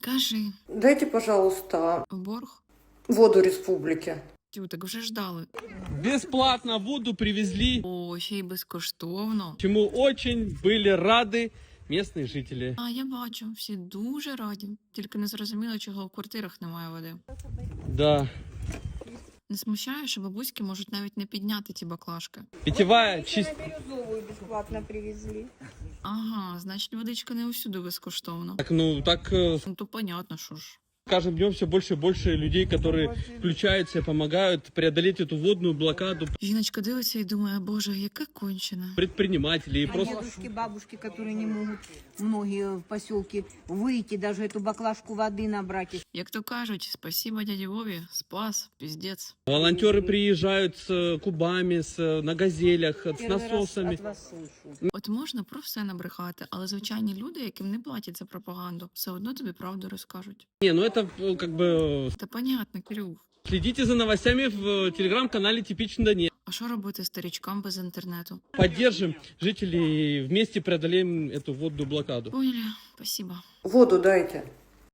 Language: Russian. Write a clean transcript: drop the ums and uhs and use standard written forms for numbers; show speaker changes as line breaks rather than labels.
Кажи,
Дайте, пожалуйста,
в борг?
воду республики.
Тю, так вже ждали.
Бесплатно воду привезли,
О, ще й безкоштовно.
чему очень были рады местные жители.
А, я бачу, всі дуже раді. Тільки не зрозуміло, чого в квартирах немає води.
Да.
Не смущає, що бабуськи можуть навіть не підняти ті баклажки.
Питьевая чист...
Бирюзовую бесплатно привезли.
Ага, значить водичка не усюди безкоштовно.
Так, так
Ну то понятно, що ж.
с каждым днем все больше и больше людей, которые включаются и помогают преодолеть эту водную блокаду.
Жіночка дивиться і думає, боже, яка кончена.
Предпринимателей и
А
просто...
дедушки, бабушки, которые не могут, многие в поселке, выйти, даже эту баклажку воды набрать.
Як то кажуть, спасибо дяді Вові, спас, піздець.
Волонтеры приезжают с кубами, на газелях, с
Первый раз
насосами.
от вас слышу.
От можна про все набрехати, але звичайні люди, яким не платять за пропаганду, все одно тобі правду розкажуть.
Не, ну это как бы...
Та понятно, Кирюх.
Следите за новостями в телеграм-канале «Типичный Донец».
А що робити старічкам без інтернету?
Поддержим жителей, вместе преодолеем эту водную блокаду.
Поняли, спасибо.
Воду дайте.